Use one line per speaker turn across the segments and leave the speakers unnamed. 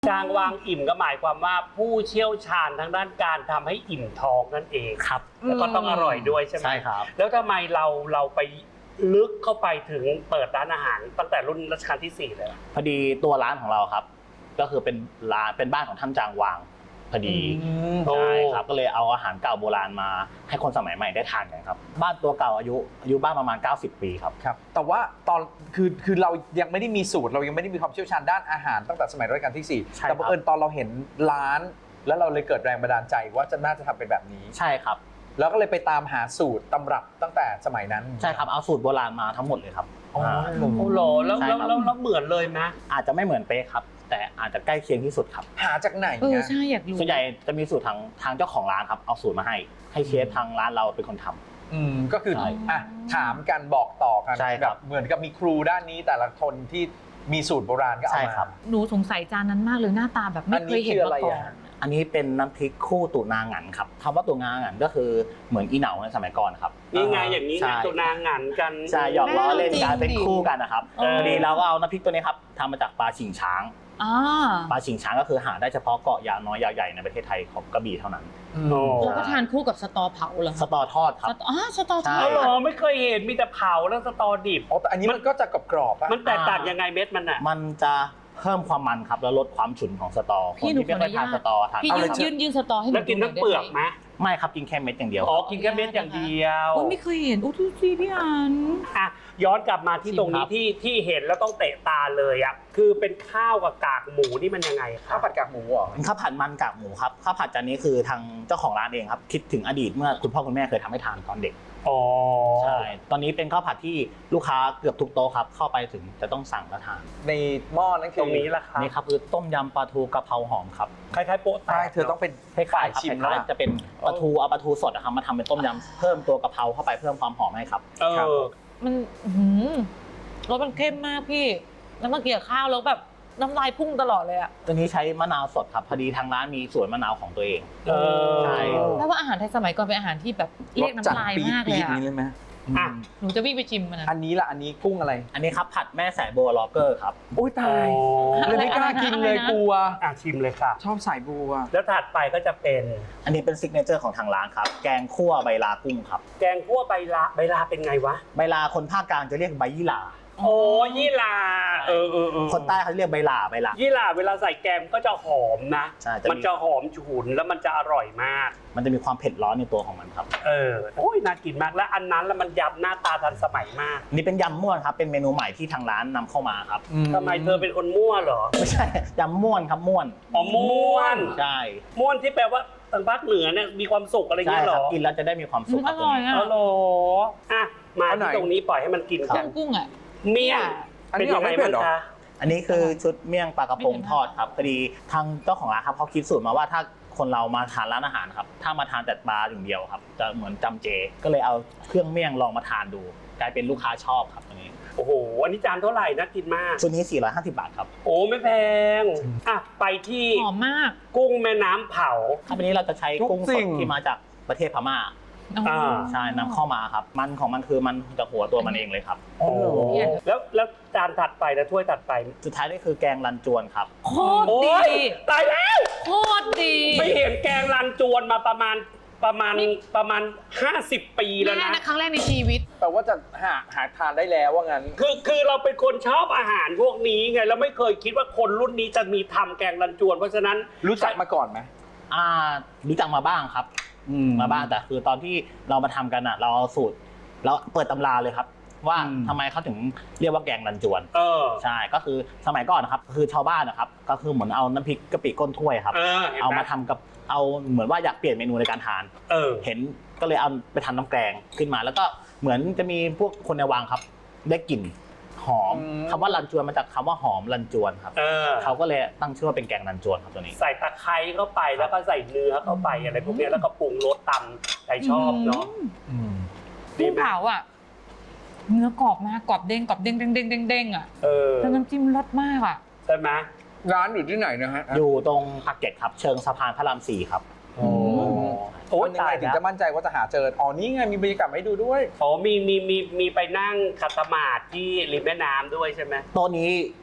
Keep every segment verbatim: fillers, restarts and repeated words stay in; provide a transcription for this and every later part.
จางวางอิ่มก็หมายความว่าผู้เชี่ยวชาญทางด้านการทำให้อิ่มท้องนั่นเองครับแล้วก็ต้องอร่อยด้วยใช่ไหม
ใช่ครับ
แล้วทำไมเราเราไปลึกเข้าไปถึงเปิดร้านอาหารตั้งแต่รุ่นรัชกาลที่สี่เลย
พอดีตัวร้านของเราครับก็คือเป็นร้านเป็นบ้านของท่านจางวางพอดีใช่ครับก็เลยเอาอาหารเก่าโบราณมาให้คนสมัยใหม่ได้ทานกันครับบ้านตัวเก่าอายุอายุบ้านประมาณเก้าสิบปีครับ
ครับแต่ว่าตอนคือคือเรายังไม่ได้มีสูตรเรายังไม่ได้มีความเชี่ยวชาญด้านอาหารตั้งแต่สมัยรัชกาลที่สี่แต่บังเอิญตอนเราเห็นร้านแล้วเราเลยเกิดแรงบันดาลใจว่าจะน่าจะทำเป็นแบบนี้
ใช่ครับ
แล้วก็เลยไปตามหาสูตรตำรับตั้งแต่สมัยนั้น
ใช่ครับเอาสูตรโบราณมาทั้งหมดเลยครับ
อ๋อ
โอ้โหแล้วแล้วแล้วเหมือนเลยไหม
อาจจะไม่เหมือนเป๊ะครับแต่อาจจะใกล้เคียงที่สุดครับ
หาจากไหน
เออ
เนี่ย
ใช่อยากรู้
ส่วนใหญ่จะมีสูตรทางทางเจ้าของร้านครับเอาสูตรมาให้ให้เชฟทางร้านเราเป็นคนทำ
อืมก็คือ
ใช่
อ่ะถามกันบอกต่อกัน
ใช่ครับ
แบบเหมือนกับมีครูด้านนี้แต่ละคนที่มีสูตรโบราณก็เอา
ใช่
มา
ครับ
หนูสงสัยจานนั้นมากเลยหน้าตาแบบไม่เคยเห็นมาก่อน
อันนี้เป็นน้ำพริกคู่ตุนาหงันครับคำว่าตุนาหงันก็คือเหมือนอีเหนาในสมัยก่อนครับ
นี่ไงอย่างนี้นะตัวนางหันกัน
ใช่หยอกล้อเล่นกันเป็นคู่กันนะครับ
เออ
พอดีเราก็เอาน้ำพริกตัวนี้ครับทำมาจากปลาฉิงช้าง
อ่า
ปลาฉิงช้างก็คือหาได้เฉพาะเกาะยาวน้อยยาวใหญ่ในประเทศไทยของกระบี่เท่านั้น
โอ้
แล้วก็ทานคู่กับสตอเผาเหรอ
สตอทอดครับ
สตออ๋อสตอทอ
ใช่
ด
เอาเหรอไม่เคยเห็นมีแต่เผาแล้วสตอดิบ
อ๋อแต่อันนี้มันก็จะกรอบๆป่ะ
มันแตกต่างยังไงเม็ดมันอ่ะ
มันจะเพิ่มความมันครับแล้วลดความฉุนของสตอคนที่ไม่ค่อยทานสตอทาน
พี่
เอา
ยื
เลย
น
ครับ
ยืนยืนสตอให้หนู
แล้วกินทั้งเปลือกไหม
ไม่ครับกินแค่เม็ดอย่างเดียว
อ๋อกินแค่เม็ดอย่างเดียว
โอ้ไม่เคยเห็นอู้ทุกทีพี่อัน
อ่ะย้อนกลับมาที่ตรงนี้ที่ที่เห็นแล้วต้องเตะตาเลยอ่ะคือเป็นข้าวกับกากหมูนี่มันยังไงครั
ข้า
บ
วผัดกากหมูเหรอ
เป็นข้าวผัดมันกากหมูครับข้าวผัดจานนี้คือทางเจ้าของร้านเองครับคิดถึงอดีตเมื่อคุณพ่อคุณแม่เคยทำให้ทานตอนเด็ก
อ๋อ
ใช่ตอนนี้เป็นข้าวผัดที่ลูกค้าเกือบทุกโต๊ะครับเข้าไปถึงจะต้องสั่งแล้วทาน
ในหม้อนั้นคือ
ตรงนี้ละครับ
นี่ครับคือต้มยำปลาทูกะเพราหอมครับ
คล้ายๆโป๊ะแต
ใช่
ก
เธอต้องเป็น
คล้ายๆ
ฝ่าย
ครับ
ชิม
ค
แล้ว
ล้าย
ล่ะ
ๆจะเป็นปลาทูเอาปลาทูสดนะครับมาทำเป็นต้มยำเพิ่มตัวกะเพราเข้าไปเพิ่มความหอมให้ครับ
เอ
ครับ
อ
มันอื้อหือรสมันเข้มมากพี่ แล้วเมื่อกี้ข้าวแล้วแบบน้ำลายพุ่งตลอดเลยอะ
ตัวนี้ใช้มะนาวสดครับพอดีทางร้านมีสวนมะนาวของตัวเอง
เออ
ใช่
แปลว่าอาหารไทยสมัยก่อนเป็นอาหารที่แบบเรียกน้ำลายมากเลย
ปี๊ด
อะ
ๆนี้เลยไหม
อ่ะ
หนูจะวิ่งไปชิมมันนะ
อันนี้ล่ะอันนี้กุ้งอะไร
อันนี้ครับผัดแม่สายบัวล็อกเกอร์ครับ
โอ้ยตาย
อ๋อ
เลยไม่กล้ากินเลยกลัว
อ่ะชิมเลยค่ะ
ชอบสายบัว
แล้วถัดไปก็จะเป็น
อันนี้เป็นซิกเนเจอร์ของทางร้านครับแกงคั่วใบลากุ้งครับ
แกงคั่วใบลาใบลาเป็นไงวะ
ใบลาคนภาคกลางจะเรียกใบยี่หร่า
โอ้ยี่ลาเออเออเออ
คนใต้เขาเรียกใบลาใบลา
ยี่หร่าเวลาใส่แกงก็จะหอมนะ
ใช่จะมี
มันจะหอมฉุนแล้วมันจะอร่อยมาก
มันจะมีความเผ็ดร้อนในตัวของมันครับ
เออ โอ้ยน่ากินมากแล้วอันนั้นแล้วมันยำหน้าตาทันสมัยมาก
นี่เป็นยำม่วนครับเป็นเมนูใหม่ที่ทางร้านนำเข้ามาครับ
ทำไมเธอเป็นคนมั่วเหรอ
ไม่ใช่ยำม่วนครับม่วน
อ๋อม่วน
ใช่
ม่วนที่แปลว่าทางภาคเหนือเนี่ยมีความสุขอะไร
ใช่
เงี้ยเห
ค
ร
รั
อบ
กินแล้วจะได้มีความสุข
มัน
ค
อ
รับตัว
ร่อย
นี้
อะ
อ๋อเหรออ่ะมา
เอาไหน
ที่ตรงนี้ปล่อยให้มันกินกัน
กุ้งๆอะ
เมี่ยง
อัน
เป็น
นี้
ยังไง
ไม่เผ็
บ้า
ด
ง
เหรอ
คะ
อันนี้คือชุดเมี่ยงปลากระพงทอดครับพอดีทางเจ้าของร้านครับเขาคิดสูตรมาว่าถ้าคนเรามาทานร้านอาหารครับถ้ามาทานแต่ปลาอย่างเดียวครับจะเหมือนจำเจ ก็เลยเอาเครื่องเมี่ยงลองมาทานดู กลายเป็นลูกค้าชอบครับตัวนี้
โอ้โหอันนี้จานเท่าไหร่น่ากินมาก
ชุดนี้สี่ร้อยห้าสิบบาทครับ
โอ้ไม่แพงอ่ะไปที่
หอมมาก
กุ้งแม่น้ำเผา
ถ้าวันนี้เราจะใช้กุ้ง
ทุก
ส
สิ่
ด
ง
ที่มาจากประเทศพม่า
อ่า
ใช่นำเข้ามาครับมันของมันคือมันจากหัวตัวมันเองเลยครับ
โอ้แล้วแล้วจานถัดไปนะถ้วยถัดไป
สุดท้ายนี่คือแกงรันจวนครับ
โคตร
โอ้
ดี
ยตายแล้ว
โคตรดี
ไม่เห็นแกงรันจวนมาประมาณประมาณประมาณห้าสิบปีแล้ว
แม่
นะ
นะครั้งแรกในชีวิต
แปลว่าจะหาหาทานได้แล้วว่างั้น
คือคือเราเป็นคนชอบอาหารพวกนี้ไงเราไม่เคยคิดว่าคนรุ่นนี้จะมีทำแกงรันจวน เพราะฉะนั้น
รู้จักมาก่อนไหม
อ่ารู้จักมาบ้างครับมาบ้างแต่คือตอนที่เรามาทำกันอ่ะเราเอาสูตรเราเปิดตำราเลยครับ ว่า
อืม
ทำไมเขาถึงเรียกว่าแกงรันจวน
เออ
ใช่ก็คือสมัยก่อนนะครับคือชาวบ้านนะครับก็คือเหมือนเอาน้ำพริกกะปิก้นถ้วยครับ
เออเห็นไหม
เอามาทำกับเอาเหมือนว่าอยากเปลี่ยนเมนูในการทาน
เออ
เห็นก็เลยเอาไปทำน้ำแกงขึ้นมา แล้วก็เหมือนจะมีพวกคนในวังครับ ได้กลิ่นหอม
อืม
คำว่ารันจวนมาจากคำว่าหอมรันจวนครับ
เออ
เขาก็เลยตั้งชื่อว่าเป็นแกงรันจวนครับตัวนี้
ใส่ตะไคร้เข้าไปแล้วก็ใส่เนื้อเข้าไปอะไรพวกเนี้ยแล้วก็ปรุงรสตำใครชอบเนาะ ดี
กุ้ง
ไหม
เผาอ่ะ เนื้อกรอบมากกรอบเด้งกรอบเด้งเด้งเด้งเด้งเด้งอ่ะ
เออ
แล้วน้ำจิ้มรสมากอ่ะ
ใช่ไหม
ร้านอยู่ที่ไหนนะฮะ
อยู่ตรงปากเกร็ดครับ เชิงสะพานพระรามสี่ครับ
โอ้โอ้
โอ้ย
ตาย
ถึง
แล้ว
จะมั่นใจว่าจะหาเจอ อ๋อ นี่ไงมีบรรยากาศให้ดูด้วย
โอ้มีมีมีมีไปนั่งขัดสมาธิที่ริมแม่น้ำด้วยใช่ไหม
โต๊ะนี้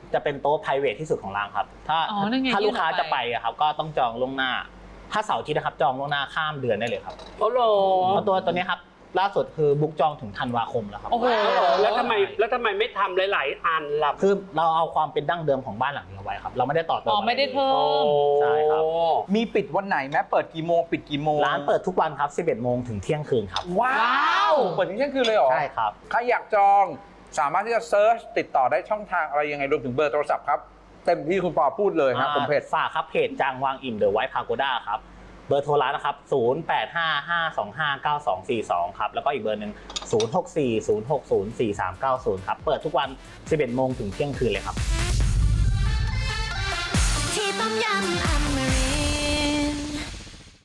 จะเป็นโต๊ะ private ที่สุดของร้านครับถ้า
อ๋อนั่นไง
ถ้าลูกค้า
ยื่นออกไป
จะไปอะครับก็ต้องจองล่วงหน้า ถ้าเสาร์อาทิตย์นะครับจองล่วงหน้าข้ามเดือนได้เลยครับ
โอ้โห
เพราะตัวตัวนี้ครับล่าสุดคือบุ๊กจองถึงธันวาคมแล้วครับ
โอ้โห
แล้วทำไมแล้วทำไมไม่ทำหลาย ๆ อันล่ะ
คือเราเอาความเป็นดั้งเดิมของบ้านหลังนี้เอาไว้ครับเราไม่ได้ต่อเติม
อ๋อไม่ได้
ะรลย
เพิ่
โอ้
ม
ใช่ครับ
มีปิดวันไหนไหมเปิดกี่โมงปิดกี่โมง
ร้านเปิดทุกวันครับสิบเอ็ดโมงถึงเที่ยงคืนครับ
ว้าวเปิดถึงเที่ยงคืนเลยเหรอ
ใช่ครับ
ใครอยากจองสามารถที่จะเซิร์ชติดต่อได้ช่องทางอะไรยังไงรวมถึงเบอร์โทรศัพท์ครับเต็มที่คุณปอพูดเลยครับผมเพจ
ฝากครับเพจจางวางอิ่มเดอะไวท์พาโกด้าครับเบอร์โทรร้านนะครับศูนย์ แปด ห้า ห้า สอง ห้า เก้า สอง สี่ สองครับแล้วก็อีกเบอร์หนึ่งศูนย์ หก สี่ ศูนย์ หก ศูนย์ สี่ สาม เก้า ศูนย์ครับเปิดทุกวันสิบเอ็ดโมงถึงเที่ยงคืนเลยครับ
ที่ต้มยำอเมริ